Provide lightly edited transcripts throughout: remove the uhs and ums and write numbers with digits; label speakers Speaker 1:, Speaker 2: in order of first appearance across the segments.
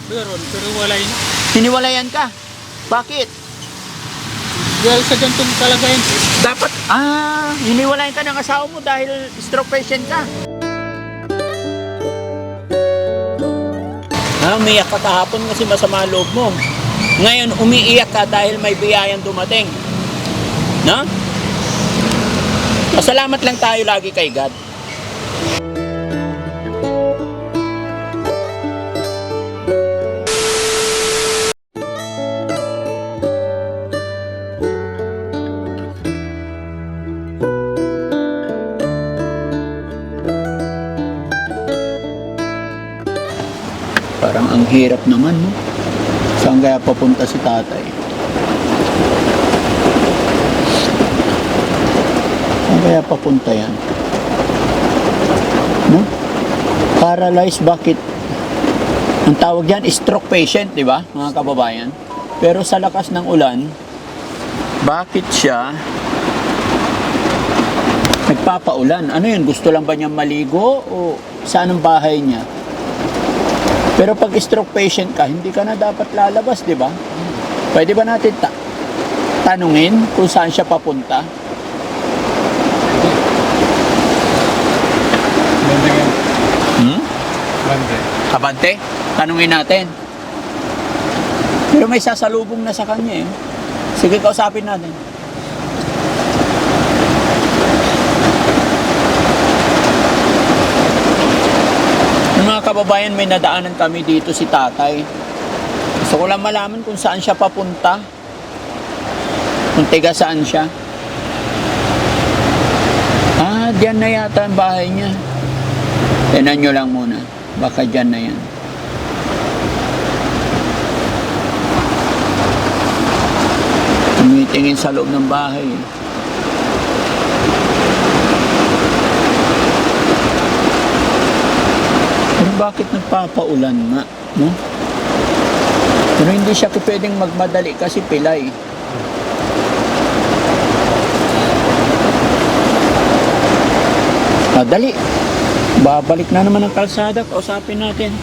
Speaker 1: Pero wala yun.
Speaker 2: Hiniwalayan ka? Bakit?
Speaker 1: Dahil sa ganitong kalagayan.
Speaker 2: Dapat, hiniwalayan ka ng asawa mo dahil stroke patient ka. Umiiyak ka kahapon kasi masama ang loob mo. Ngayon, umiiyak ka dahil may biyayang dumating. No? Pasalamat lang tayo lagi kay God. Parang ang hirap naman, no? Saan kaya papunta si tatay? Saan kaya papunta yan? No? Paralyzed, bakit? Ang tawag yan, stroke patient, di ba, mga kababayan? Pero sa lakas ng ulan, bakit siya nagpapaulan? Ano yun? Gusto lang ba niya maligo? O saan ang bahay niya? Pero pag stroke patient ka, hindi ka na dapat lalabas, di ba? Pwede ba natin tanungin kung saan siya papunta?
Speaker 1: Banda yan. Banda.
Speaker 2: Abante? Tanungin natin. Pero may sasalubong na sa kanya eh. Sige, kausapin natin. Mga kababayan, may nadaanan kami dito si tatay. Gusto ko lang malaman kung saan siya papunta. Kung tiga saan siya. Diyan na yata ang bahay niya. Tignan nyo lang muna. Baka diyan na yan. Tumitingin sa loob ng bahay. Bakit nagpapaulan nga, no? Pero hindi siya pwedeng magmadali kasi pilay. Dali. Babalik na naman ang kalsada, kausapin natin.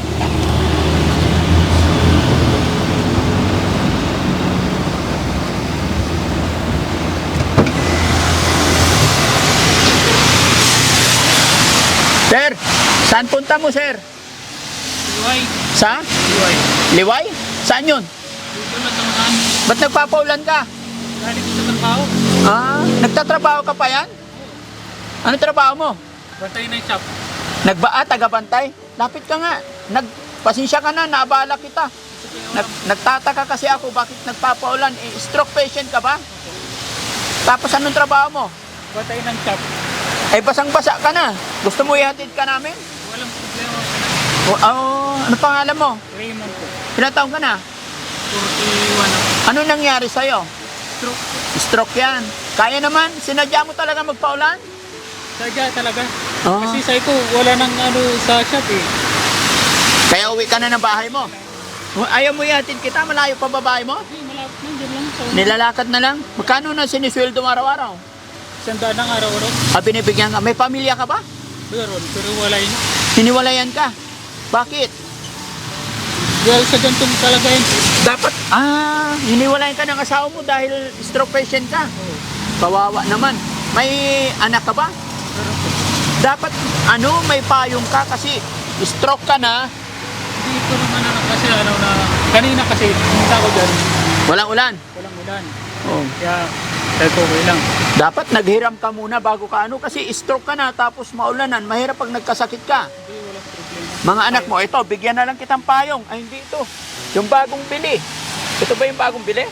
Speaker 2: Sir, saan punta mo, sir?
Speaker 1: Liway.
Speaker 2: Sa?
Speaker 1: Liway.
Speaker 2: Liway? Saan yun?
Speaker 1: Dito na tamaan.
Speaker 2: Ba't nagpapaulan ka?
Speaker 1: Galing sa trabaho.
Speaker 2: Nagtatrabaho ka pa yan? Ano trabaho mo?
Speaker 1: Bantay na yung shop.
Speaker 2: Tagabantay? Lapit ka nga. Pasensya ka na, naabala kita. Nagtataka kasi ako bakit nagpapaulan. Stroke patient ka ba? Tapos anong trabaho mo?
Speaker 1: Bantay ng shop.
Speaker 2: Basang-basa ka na. Gusto mo ihatid ka namin?
Speaker 1: Walang problema.
Speaker 2: Ano pangalan mo?
Speaker 1: Raymond po.
Speaker 2: Ilang taon ka na?
Speaker 1: 41 ako.
Speaker 2: Ano nangyari sa'yo?
Speaker 1: Stroke.
Speaker 2: Stroke yan. Kaya naman? Sinadya mo talaga magpaulan?
Speaker 1: Sadya talaga.
Speaker 2: Ah.
Speaker 1: Kasi sabi ko, wala nang sa shop eh.
Speaker 2: Kaya uwi ka na ng bahay mo? Ayaw mo ihatid kita? Malayo pa babae mo?
Speaker 1: Hindi, malapit lang. Diyan lang.
Speaker 2: Nilalakad na lang? Magkano na sinisweldo mo araw-araw?
Speaker 1: Sandaan ng araw-araw.
Speaker 2: Binibigyan ka? May pamilya ka ba?
Speaker 1: Pero wala yun.
Speaker 2: Hiniwalayan ka? Bakit?
Speaker 1: Dahil sa ganitong kalagayan.
Speaker 2: Dapat, hiniwalayan ka ng asawa mo dahil stroke patient ka. Kawawa naman. May anak ka ba? Dapat, may payong ka kasi stroke ka na.
Speaker 1: Hindi ko naman kasi kanina kasi pumunta ko dyan.
Speaker 2: Walang ulan.
Speaker 1: Walang ulan.
Speaker 2: Oh.
Speaker 1: Kaya sabi ko, okay lang.
Speaker 2: Dapat naghiram ka muna bago ka kasi stroke ka na tapos maulanan. Mahirap pag nagkasakit ka.
Speaker 1: Hindi, walang problema.
Speaker 2: Mga anak mo, ito, bigyan na lang kitang payong. Ay, hindi ito. Yung bagong bili. Ito ba yung bagong bili?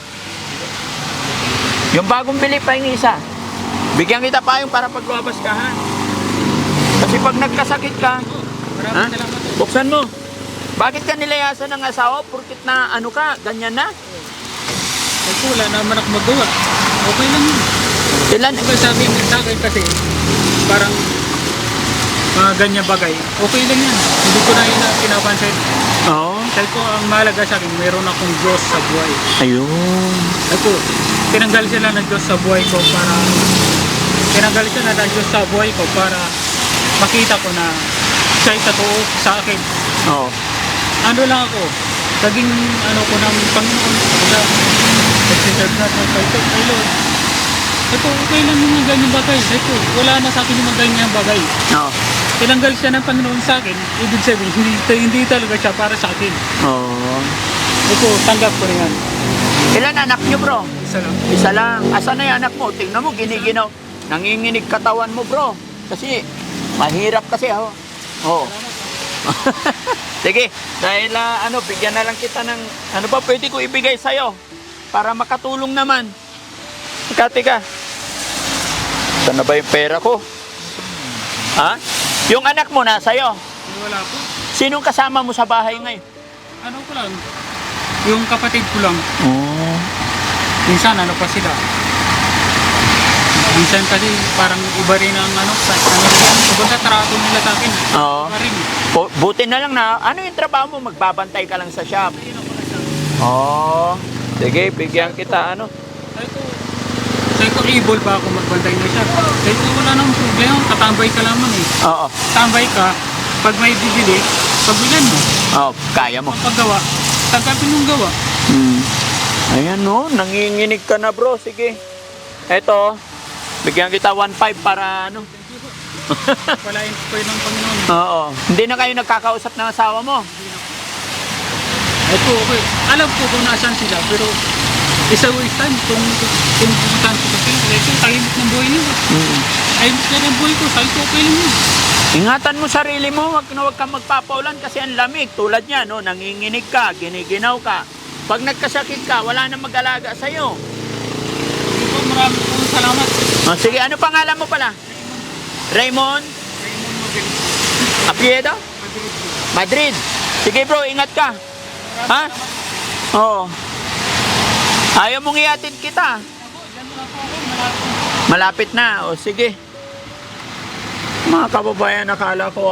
Speaker 2: Yung bagong bili pa yung isa. Bigyan kita payong para pag lumabas ka, ha? Kasi pag nagkasakit ka,
Speaker 1: Maraming salamat.
Speaker 2: buksan mo. Bakit ka nilayasan ng asawa? Porkit na ganyan na?
Speaker 1: Sabi ko, wala naman ako magawa. Okay lang yun.
Speaker 2: Ilan?
Speaker 1: Diba sabi mo sa akin kasi, parang mga ganyan bagay, okay lang yan. Hindi ko na yun pinapansin.
Speaker 2: Oo.
Speaker 1: Sabi ko, ang mahalaga sa akin, mayroon akong Diyos sa buhay.
Speaker 2: Ayun.
Speaker 1: Sabi ko, tinanggal sila ng Diyos sa buhay ko para makita ko na siya'y totoo sa akin.
Speaker 2: Oo.
Speaker 1: Ano lang ako, Naging ano ko ng Panginoon. Kaya, nagsiserve na sa kay Lord. Ito, okay lang yung mga ganyan bagay. Ito, wala na sa akin yung mga ganyan bagay.
Speaker 2: Oo.
Speaker 1: Tinanggal siya ng Panginoon sa akin, ibig sabihin, hindi talaga siya para sa akin.
Speaker 2: Oo.
Speaker 1: Ito, tanggap ko na yan.
Speaker 2: Ilan anak niyo, bro?
Speaker 1: Isa lang.
Speaker 2: Isa lang. Asan na yung anak mo? Tingnan mo, giniginaw. Nanginginig katawan mo, bro. Kasi, mahirap kasi, oh. Oo. Sige, dahil bigyan na lang kita ng, ano ba pwede ko ibigay sa'yo? Para makatulong naman. Tika. Saan na ba yung pera ko? Ha? Yung anak mo na sa'yo.
Speaker 1: Wala po.
Speaker 2: Sinong kasama mo sa bahay ngayon?
Speaker 1: Ano ko lang, yung kapatid ko lang.
Speaker 2: Oh.
Speaker 1: Minsan, ano pa sila. Minsan kasi parang iba rin ang ibang trato nila sa akin.
Speaker 2: Oo.
Speaker 1: Iba rin.
Speaker 2: Buti na lang na, ano yung trabaho mo? Magbabantay ka lang sa shop. Oo. Sige, bigyan kita,
Speaker 1: Sabi ko, able ba ako magbantay na siya? Sabi ko, wala nang problema, tatambay ka lamang eh.
Speaker 2: Oo.
Speaker 1: Tambay ka, pag may bibili, pagbilan mo.
Speaker 2: Oo, kaya mo.
Speaker 1: Paggawa, tanggapin mong gawa.
Speaker 2: Ayan no, nanginginig ka na bro. Sige. Eto, bigyan kita 1.5 para
Speaker 1: Palain ko yun ng Panginoon.
Speaker 2: Oo. Hindi na kayo nagkakausap ng asawa mo.
Speaker 1: Ito, okay. Alam ko kung nasaan sila, pero isa waste time kung pumuntahan ko kasi. Ito, tahimik ng buhay niyo. Tahimik na ng buhay ko, sabi ko, okay lang yun.
Speaker 2: Ingatan mo sarili mo, wag kang magpapaulan kasi ang lamig. Tulad niya, no, nanginginig ka, giniginaw ka. Pag nagkasakit ka, wala nang mag-alaga sa'yo.
Speaker 1: Ito, marami pong salamat.
Speaker 2: Sige, ano pangalan mo pala? Raymond?
Speaker 1: Raymond Mabilis.
Speaker 2: Apiedo? Madrid. Sige bro, ingat ka. Ha? Oo. Ayaw mong iatid kita. Malapit na. O sige. Mga kababayan, nakala ko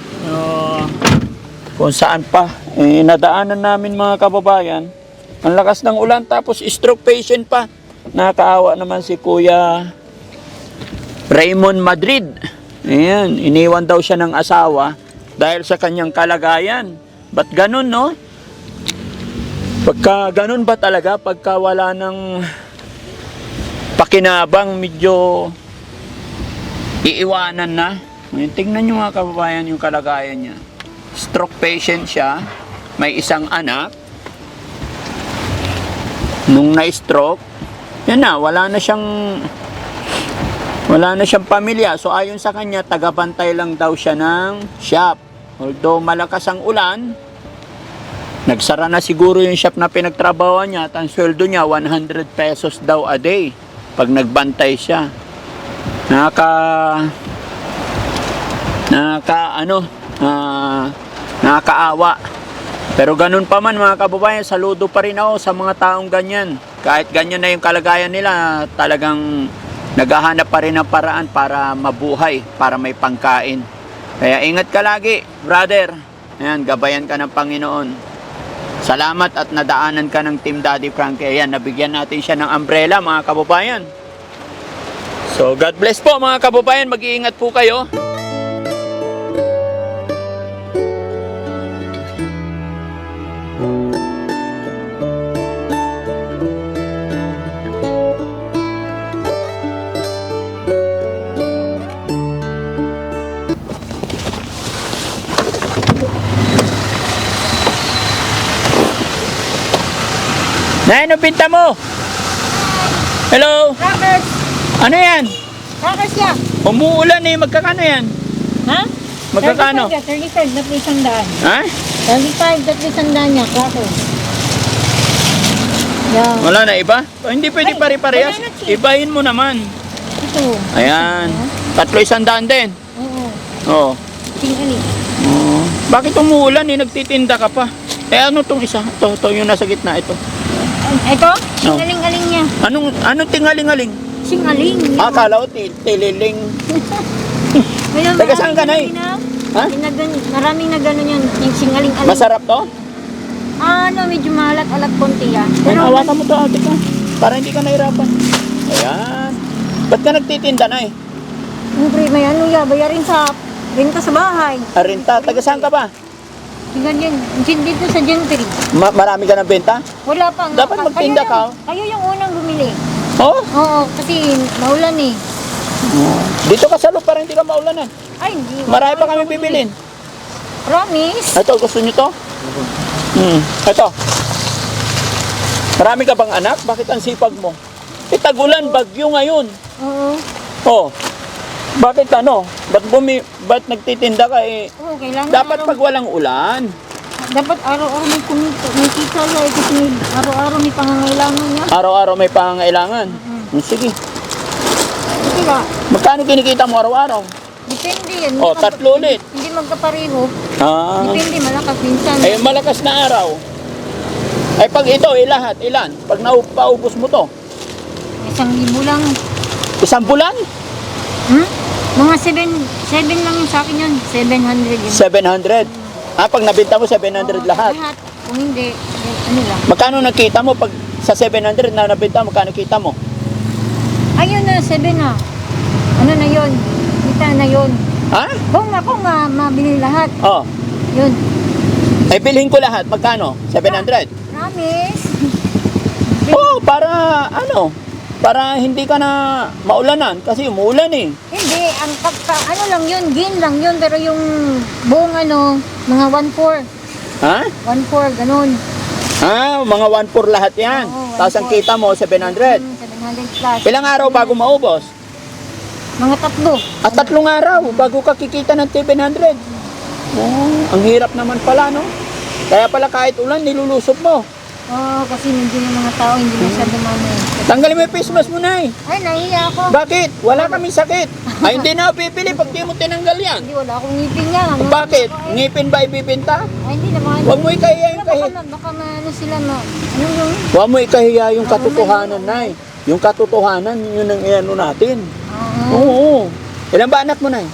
Speaker 2: kung saan pa. Nadaanan namin mga kababayan. Ang lakas ng ulan tapos stroke patient pa. Nakakaawa naman si Kuya Raymond Madrid. Ayan, iniwan daw siya ng asawa dahil sa kanyang kalagayan. Ba't ganun, no? Pagka ganun ba talaga? Pagka wala ng pakinabang, medyo iiwanan na. Tingnan nyo mga kababayan yung kalagayan niya. Stroke patient siya. May isang anak. Nung na-stroke, yan na, wala na siyang pamilya. So ayon sa kanya, tagabantay lang daw siya ng shop. Although malakas ang ulan, nagsara na siguro yung shop na pinagtrabahoan niya at ang sweldo niya 100 pesos daw a day pag nagbantay siya. Nakakaawa. Pero ganun pa man mga kababayan, saludo pa rin ako sa mga taong ganyan. Kahit ganyan na yung kalagayan nila, talagang naghahanap pa rin ng paraan para mabuhay, para may pangkain. Kaya ingat ka lagi, brother. Ayan, gabayan ka ng Panginoon. Salamat at nadaanan ka ng Team Daddy Frankie. Ayan, nabigyan natin siya ng umbrella mga kababayan. So, God bless po mga kababayan. Mag-iingat po kayo. Nay, ano pinta mo? Hello?
Speaker 3: Crackers!
Speaker 2: Ano yan?
Speaker 3: Crackers yan!
Speaker 2: Umuulan eh, magkakano yan?
Speaker 3: Ha?
Speaker 2: Magkakano?
Speaker 3: 35 na isandaan.
Speaker 2: Ha?
Speaker 3: 35 na isandaan niya, crackers. Yan.
Speaker 2: Wala na iba? O, hindi pwede
Speaker 3: Ay,
Speaker 2: pare-parehas.
Speaker 3: banana chip.
Speaker 2: Ibahin mo naman.
Speaker 3: Ito.
Speaker 2: Ayan. 300 din.
Speaker 3: Oo.
Speaker 2: Oo.
Speaker 3: Tingali.
Speaker 2: Oo. Bakit umuulan eh? Nagtitinda ka pa. Eh ano tong isa? Ito yung nasa gitna. Ito.
Speaker 3: Ito? Singaling-aling niya.
Speaker 2: Anong tingaling-aling?
Speaker 3: Singaling.
Speaker 2: Akala ko tililing.
Speaker 3: Mayroon
Speaker 2: Taga saan ka, Nay? Ha?
Speaker 3: Maraming na gano'n yan. Yung singaling-aling.
Speaker 2: Masarap to?
Speaker 3: Medyo malat-alat konti yan.
Speaker 2: Pero hawakan mo to, ate ka. Para hindi ka nahirapan. Ayan. Ba't ka nagtitinda na eh?
Speaker 3: Siyempre, may bayarin sa renta sa bahay.
Speaker 2: Arinta, taga saan ka ba?
Speaker 3: Ganyan, dito sa Gentry.
Speaker 2: Marami ka ng benta?
Speaker 3: Wala pa nga.
Speaker 2: Dapat magtinda ka.
Speaker 3: Kayo yung unang bumili.
Speaker 2: Oh?
Speaker 3: Oo, kasi maulan eh.
Speaker 2: Dito ka sa lupa, hindi ka maulanan.
Speaker 3: Ay, hindi.
Speaker 2: Marami pa kami bibilin.
Speaker 3: Promise.
Speaker 2: Ito, gusto nyo to? Ito. Marami ka bang anak? Bakit ang sipag mo? Tagulan, bagyo ngayon.
Speaker 3: Oo.
Speaker 2: Oh. Bakit ano? Ba't nagtitinda ka eh?
Speaker 3: Oo, kailangan
Speaker 2: Dapat pag walang ulan.
Speaker 3: Dapat araw-araw may kumita. May kita lang eh, kasi araw-araw may pangangailangan niya.
Speaker 2: Araw-araw may pangangailangan. Sige.
Speaker 3: Kasi ba,
Speaker 2: Magkano kinikita mo araw-araw?
Speaker 3: depende yan.
Speaker 2: Oh, tatlo ulit.
Speaker 3: Hindi magkapareho.
Speaker 2: Ah.
Speaker 3: Depende, malakas minsan.
Speaker 2: Eh, malakas na araw. Ay, pag ito, lahat, ilan? Pag paubos mo to,
Speaker 3: 1,000 lang.
Speaker 2: isang bulan,
Speaker 3: Mga 7 lang yung sa akin yun. 700 yun.
Speaker 2: 700. Pag nabenta mo, 700 lahat.
Speaker 3: Lahat. Kung hindi, ano lang.
Speaker 2: Magkano nakita mo pag sa 700 na nabenta mo, magkano kita mo?
Speaker 3: Ayun na, 7 na. Ano na yun? Kita na yun.
Speaker 2: Ha?
Speaker 3: Kung mabili lahat,
Speaker 2: Oh.
Speaker 3: yun.
Speaker 2: Ay, bilhin ko lahat. Magkano? 700?
Speaker 3: Promise.
Speaker 2: Oh, para ano? Para hindi ka na maulanan kasi umuulan eh.
Speaker 3: Hindi, ang ano lang yun, gain lang yun, pero yung buong ano, mga 1/4.
Speaker 2: Ha?
Speaker 3: 1/4, ganun.
Speaker 2: Mga 1 lahat yan.
Speaker 3: Oo,
Speaker 2: Tapos ang
Speaker 3: 1/4.
Speaker 2: kita mo, 700.
Speaker 3: 700 plus.
Speaker 2: Ilang araw bago maubos?
Speaker 3: Mga 3.
Speaker 2: At 3 araw bago ka kikita ng 700. Oh, ang hirap naman pala, no? Kaya pala kahit ulan, nilulusot mo.
Speaker 3: Oo, kasi medyo yung mga tao hindi masyado mano.
Speaker 2: Tanggalin mo yung face mask mo, Nay.
Speaker 3: Ay, nahiya ako.
Speaker 2: Bakit? Wala kaming sakit. Ay, hindi na ako pipili pag di mo tinanggal yan.
Speaker 3: Hindi, wala akong ngipin nga. Ano,
Speaker 2: Bakit?
Speaker 3: Ay,
Speaker 2: Ngipin ba ibibinta?
Speaker 3: hindi naman.
Speaker 2: Huwag mo ikahiya yung
Speaker 3: Baka ano sila ano yung...
Speaker 2: Huwag mo ikahiya yung katotohanan, Nay. Yung katotohanan, yun ang iano natin. Oo. Ilan ba anak mo, Nay?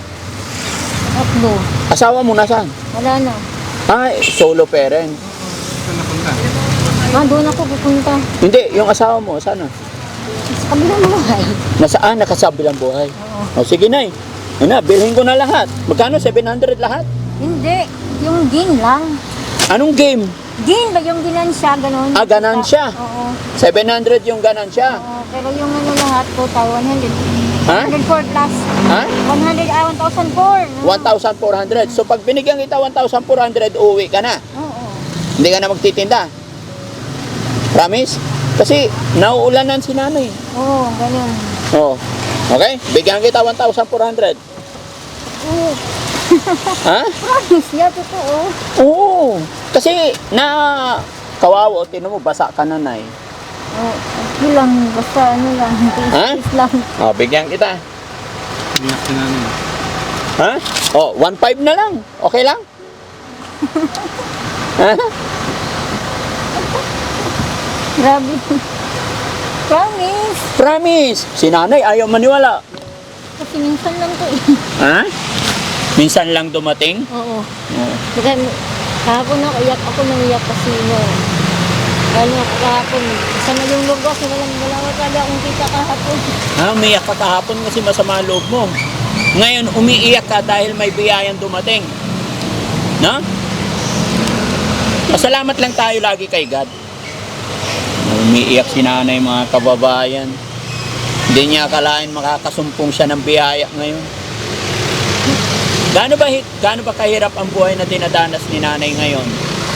Speaker 3: 3.
Speaker 2: Asawa mo nasaan?
Speaker 3: Wala na.
Speaker 2: Ay, solo parent.
Speaker 1: Saan napunta?
Speaker 3: Doon ako pupunta.
Speaker 2: Hindi, yung asawa mo, sana?
Speaker 3: Sa kabilang buhay.
Speaker 2: Nasaan? Nakasabilang buhay.
Speaker 3: Oo.
Speaker 2: O sige, Nay. Ano na, bilhin ko na lahat. Magkano? 700 lahat?
Speaker 3: Hindi, yung gain lang.
Speaker 2: Anong game?
Speaker 3: Gain ba yung ginansya, ganun?
Speaker 2: Ganansya.
Speaker 3: Oo.
Speaker 2: 700 yung ganansya.
Speaker 3: Oo, pero yung ano lahat po, 100.
Speaker 2: Ha?
Speaker 3: 104 plus.
Speaker 2: Ha?
Speaker 3: 1,004.
Speaker 2: 1,400. So pag binigyan kita 1,400, uwi ka na.
Speaker 3: Oo.
Speaker 2: Hindi ka na magtitinda. Promise? Kasi nauulanan si nanay.
Speaker 3: Oo, ganun.
Speaker 2: Oh. Okay? Bigyan kita 1,400.
Speaker 3: Oo.
Speaker 2: Ha?
Speaker 3: Promise niya, totoo.
Speaker 2: Oo. Kasi kawawa, tinan mo, basa ka na, Nay.
Speaker 3: Oo, okay lang. Basta ano lang.
Speaker 2: Ha?
Speaker 3: Tiis lang.
Speaker 2: Oh, bigyan kita.
Speaker 1: Iyak na namin.
Speaker 2: Ha? Oh, 1,500 na lang. Okay lang? Ha?
Speaker 3: Grabe. Promise.
Speaker 2: Promise. Si nanay ayaw maniwala.
Speaker 3: Kasi minsan lang to eh.
Speaker 2: Ha? Minsan lang dumating?
Speaker 3: Oo.
Speaker 2: Oo.
Speaker 3: Kasi kahapon ako, nang iyak kasi no. Lalo ako kahapon. Isa na yung loob ko kasi wala talaga akong kita kahapon.
Speaker 2: Umiyak ka kahapon kasi masama ang loob mo. Ngayon, umiiyak ka dahil may biyayang dumating. No? Pasalamat lang tayo lagi kay God. Umiiyak si nanay, mga kababayan. Hindi niya akalain makakasumpong siya ng biyaya ngayon. Gaano ba kahirap ang buhay na dinadanas ni nanay ngayon?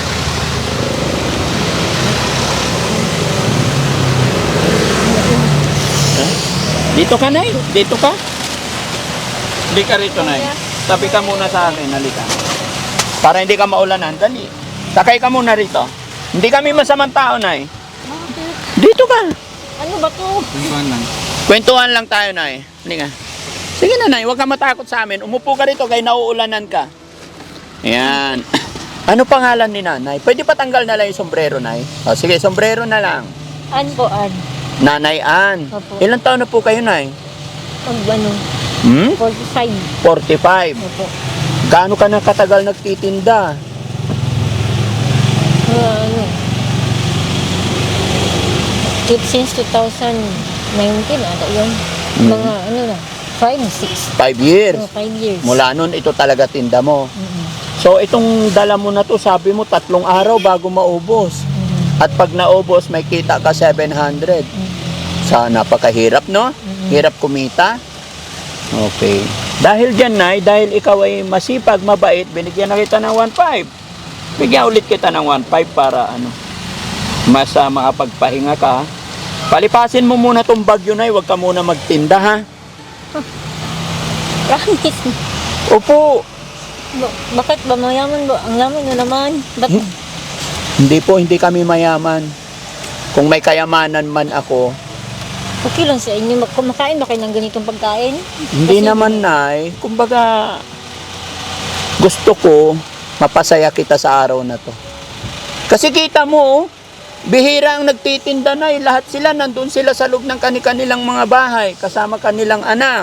Speaker 2: Dito ka, Nay? Dito ka? Hindi ka rito, Nay. Tabi ka muna sa akin, halika. Para hindi ka maulanan, dali. Sakay ka muna rito. Hindi kami masamang tao, Nay.
Speaker 3: Bakit?
Speaker 2: Dito ka.
Speaker 3: Ano ba to?
Speaker 1: Tingnan lang.
Speaker 2: Kwentuhan lang tayo, Nay. Halika. Sige na, Nay. Huwag ka matakot sa amin. Umupo ka rito kaya nauulanan ka. Ayan. Ano pangalan ni Nanay? Pwede pa tanggal na lang yung sombrero, Nay. O, sige, sombrero na lang.
Speaker 3: An po, an.
Speaker 2: Nanay Ann.
Speaker 3: Opo.
Speaker 2: Ilang taon na po kayo, Nay?
Speaker 3: Pag ano, 45.
Speaker 2: 45.
Speaker 3: Opo.
Speaker 2: Gaano ka na katagal nagtitinda?
Speaker 3: Ano? Since 2019, ata yun. Mga ano na, 5, 6.
Speaker 2: 5 years.
Speaker 3: 5 years.
Speaker 2: Mula nun, ito talaga tinda mo. So itong dala mo na to, sabi mo 3 araw bago maubos. At pag naubos, may kita ka 700. Sa napakahirap, no? Hirap kumita. Okay. Dahil dyan, Nay, dahil ikaw ay masipag, mabait, binigyan na kita ng 1.5. Bigyan ulit kita ng 1.5 para mas makapagpahinga ka. Palipasin mo muna tong bagyo, Nay. Huwag ka muna magtinda, ha?
Speaker 3: Promise.
Speaker 2: Opo.
Speaker 3: Bakit ba mayaman ba? Ang yaman na naman. Ba't
Speaker 2: Hindi po, hindi kami mayaman. Kung may kayamanan man ako,
Speaker 3: okay lang sa inyo? Kumakain ba kayo ng ganitong pagkain?
Speaker 2: hindi
Speaker 3: Kasi-
Speaker 2: naman, Nay. Kumbaga, gusto ko mapasaya kita sa araw na to. Kasi kita mo, bihira ang nagtitinda, Nay. Lahat sila, nandun sila sa loob ng kanilang mga bahay, kasama kanilang anak.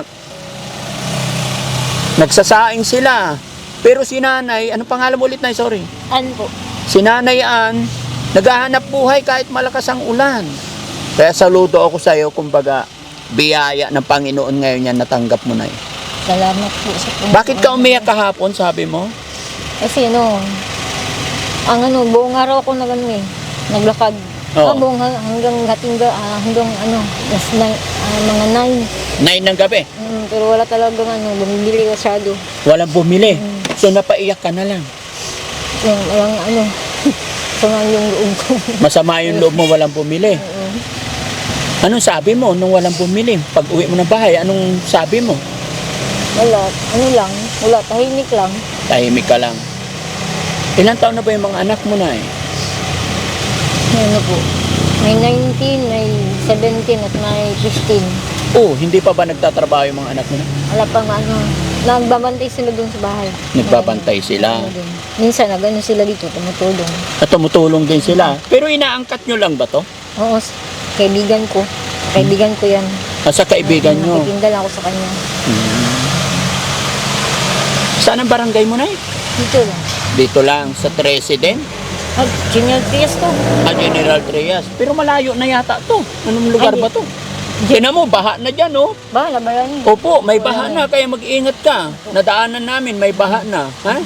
Speaker 2: Nagsasaing sila. Pero si Nanay, ano pangalan mo ulit, Nay? Sorry.
Speaker 3: Ano po?
Speaker 2: Si Nanay Ann, naghahanap buhay kahit malakas ang ulan. Kaya saludo ako sa iyo, kumbaga, biyaya ng Panginoon ngayon yan natanggap mo, Nay.
Speaker 3: Salamat po sa Panginoon.
Speaker 2: Bakit ka umiyak kahapon, sabi mo?
Speaker 3: Kasi buong araw ako naglakad.
Speaker 2: Oo.
Speaker 3: Hanggang hanggang mga 9.
Speaker 2: 9 ng gabi.
Speaker 3: Pero wala talagang bumibili masyado.
Speaker 2: Walang bumili. So napaiyak ka na lang.
Speaker 3: Yung sama yung loob ko.
Speaker 2: Masama yung loob mo, walang bumili. Anong sabi mo nung walang bumili? Pag uwi mo ng bahay, anong sabi mo?
Speaker 3: Wala, tahimik lang.
Speaker 2: Tahimik ka lang. Ilang taon na ba yung mga anak mo, Nay?
Speaker 3: Po. May 19, may 17 at may 15.
Speaker 2: Oh, hindi pa ba nagtatrabaho yung mga anak mo, Nay?
Speaker 3: Wala pang nagbabantay sila dun sa bahay.
Speaker 2: Nagbabantay sila.
Speaker 3: Minsan sila dito, tumutulong.
Speaker 2: At tumutulong din sila. Pero inaangkat nyo lang ba to?
Speaker 3: Oo, kaibigan ko. Kaibigan ko yan.
Speaker 2: Sa kaibigan nyo.
Speaker 3: Nakikinda lang ako sa kanya.
Speaker 2: Saan ang barangay mo, Nay?
Speaker 3: Dito lang.
Speaker 2: Dito lang, sa 13 din?
Speaker 3: Junior Trias to.
Speaker 2: General Trias. Pero malayo na yata to. Anong lugar
Speaker 3: Ay,
Speaker 2: ba to? Tingnan mo, baha na dyan, oh.
Speaker 3: Bahala ba yan?
Speaker 2: Opo, may baha na, kaya mag-iingat ka. Nadaanan namin, may baha na. Ha?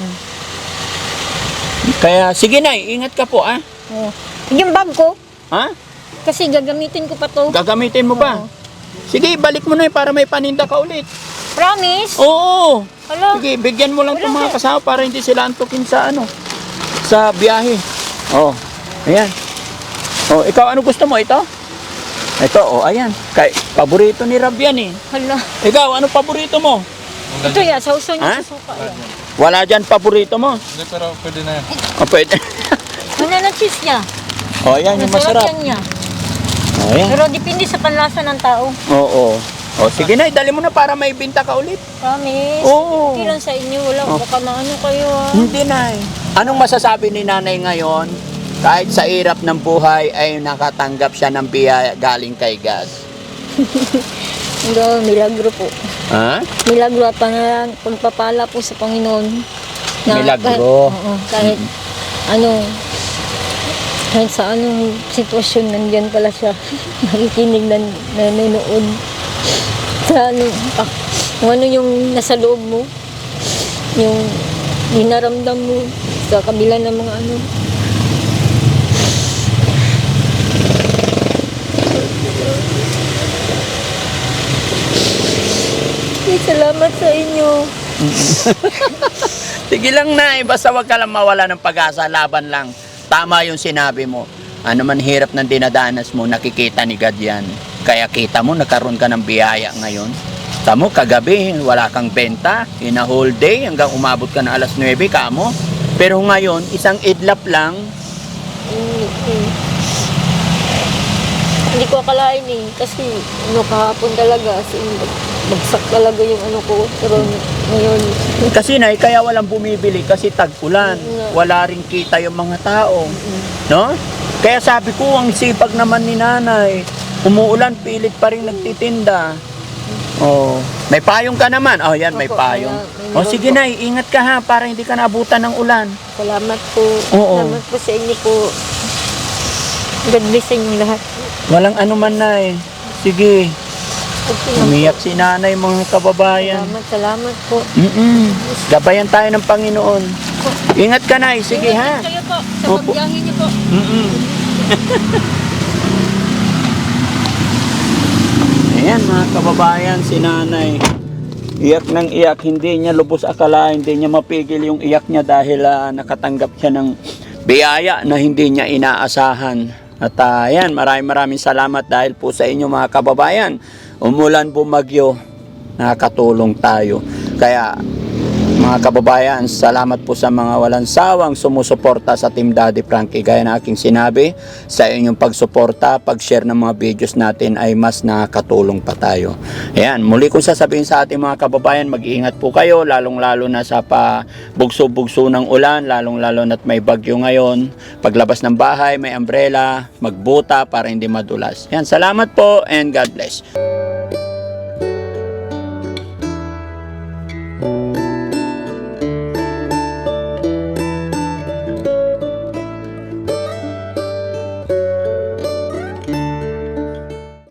Speaker 2: Kaya, sige, Nay, ingat ka po, ha?
Speaker 3: Oo. Yung bag ko,
Speaker 2: Ha?
Speaker 3: kasi gagamitin ko pa to.
Speaker 2: Gagamitin mo ba?
Speaker 3: Oo.
Speaker 2: Sige, balik mo na para may paninda ka ulit.
Speaker 3: Promise?
Speaker 2: Oo.
Speaker 3: Hala.
Speaker 2: Sige, bigyan mo lang itong
Speaker 3: Wala
Speaker 2: mga kasama para hindi sila antukin sa sa biyahe. Oh, ayan. Oh, ikaw ano gusto mo? Ito? Ito, oh, ayan. Paborito ni Rab yan, eh.
Speaker 3: Hala.
Speaker 2: Ikaw, ano paborito mo?
Speaker 3: Ito yan, sausaw
Speaker 2: Ha?
Speaker 3: niya sa suka yan.
Speaker 2: Wala dyan paborito mo?
Speaker 4: Hindi, pero pwede na yan.
Speaker 2: Oh, pwede.
Speaker 3: Banana cheese niya.
Speaker 2: Oh, ayan, yung masarap.
Speaker 3: yan niya.
Speaker 2: Oh, ayan.
Speaker 3: Pero depende sa panlasa ng tao.
Speaker 2: Oo. Oh, sige na, dali mo na para may binta ka ulit.
Speaker 3: Promise?
Speaker 2: Oo.
Speaker 3: Okay lang sa inyo. Wala,
Speaker 2: Oh.
Speaker 3: baka na kayo
Speaker 2: Hindi na eh. Anong masasabi ni Nanay ngayon? Kahit sa hirap ng buhay ay nakatanggap siya ng biyaya galing kay God.
Speaker 3: Hindi, milagro po.
Speaker 2: Ha?
Speaker 3: Milagro at pagpapala po sa Panginoon.
Speaker 2: Milagro.
Speaker 3: Kahit kahit sa anong sitwasyon, nandyan pala siya. Nakikinig na nanonood. Sa kung ano yung nasa loob mo, yung dinaramdam mo sa kabila ng mga salamat sa inyo.
Speaker 2: Sige lang, Nay, basta wag ka lang mawala ng pag-asa, laban lang. Tama yung sinabi mo. Ano man hirap ng dinadanas mo, nakikita ni God yan. Kaya kita mo, nagkaroon ka ng biyaya ngayon. Tamo, kagabi, wala kang benta, in a whole day, hanggang umabot ka na alas 9, kamo. Pero ngayon, isang idlap lang,
Speaker 3: Hindi ko akalain kasi kahapon talaga, bagsak talaga yung ko. Pero ngayon,
Speaker 2: kasi Nay, kaya walang bumibili kasi tag-ulan. Wala rin kita yung mga tao. No? Kaya sabi ko, ang sipag naman ni Nanay. Umuulan, pilit pa rin nagtitinda. Oh, may payong ka naman. Oh, yan, may
Speaker 3: Opo,
Speaker 2: payong.
Speaker 3: may
Speaker 2: Oh,
Speaker 3: meron
Speaker 2: sige
Speaker 3: po.
Speaker 2: Nay, ingat ka ha para hindi ka naabutan ng ulan.
Speaker 3: salamat po.
Speaker 2: Oo.
Speaker 3: Salamat po sa inyo po. God bless sa inyo lahat.
Speaker 2: Walang anuman, Nay. Sige,
Speaker 3: Okay lang
Speaker 2: umiyak si Nanay, mga
Speaker 3: po.
Speaker 2: kababayan.
Speaker 3: Salamat po.
Speaker 2: Gabayan tayo ng Panginoon.
Speaker 3: po.
Speaker 2: Ingat ka, Nay. Sige, ha?
Speaker 3: Ingat kayo po sa
Speaker 2: Opo.
Speaker 3: pagbiyahe niyo po.
Speaker 2: Mm-mm. Ayan, mga kababayan, si Nanay. Iyak ng iyak. Hindi niya lubos akala, hindi niya mapigil yung iyak niya dahil nakatanggap siya ng biyaya na hindi niya inaasahan. At ayan, maraming salamat dahil po sa inyo mga kababayan. Umulan, bumagyo, nakatulong tayo. Kaya mga kababayan, salamat po sa mga walang sawang sumusuporta sa Team Daddy Frankie. Gaya na aking sinabi, sa inyong pagsuporta, pag-share ng mga videos natin ay mas nakakatulong pa tayo. Ayan, muli kong sasabihin sa ating mga kababayan, mag-iingat po kayo, lalong-lalo na sa bugso-bugso ng ulan, lalong-lalo na't may bagyo ngayon. Paglabas ng bahay, may umbrella, magbuta para hindi madulas. Ayan, salamat po and God bless.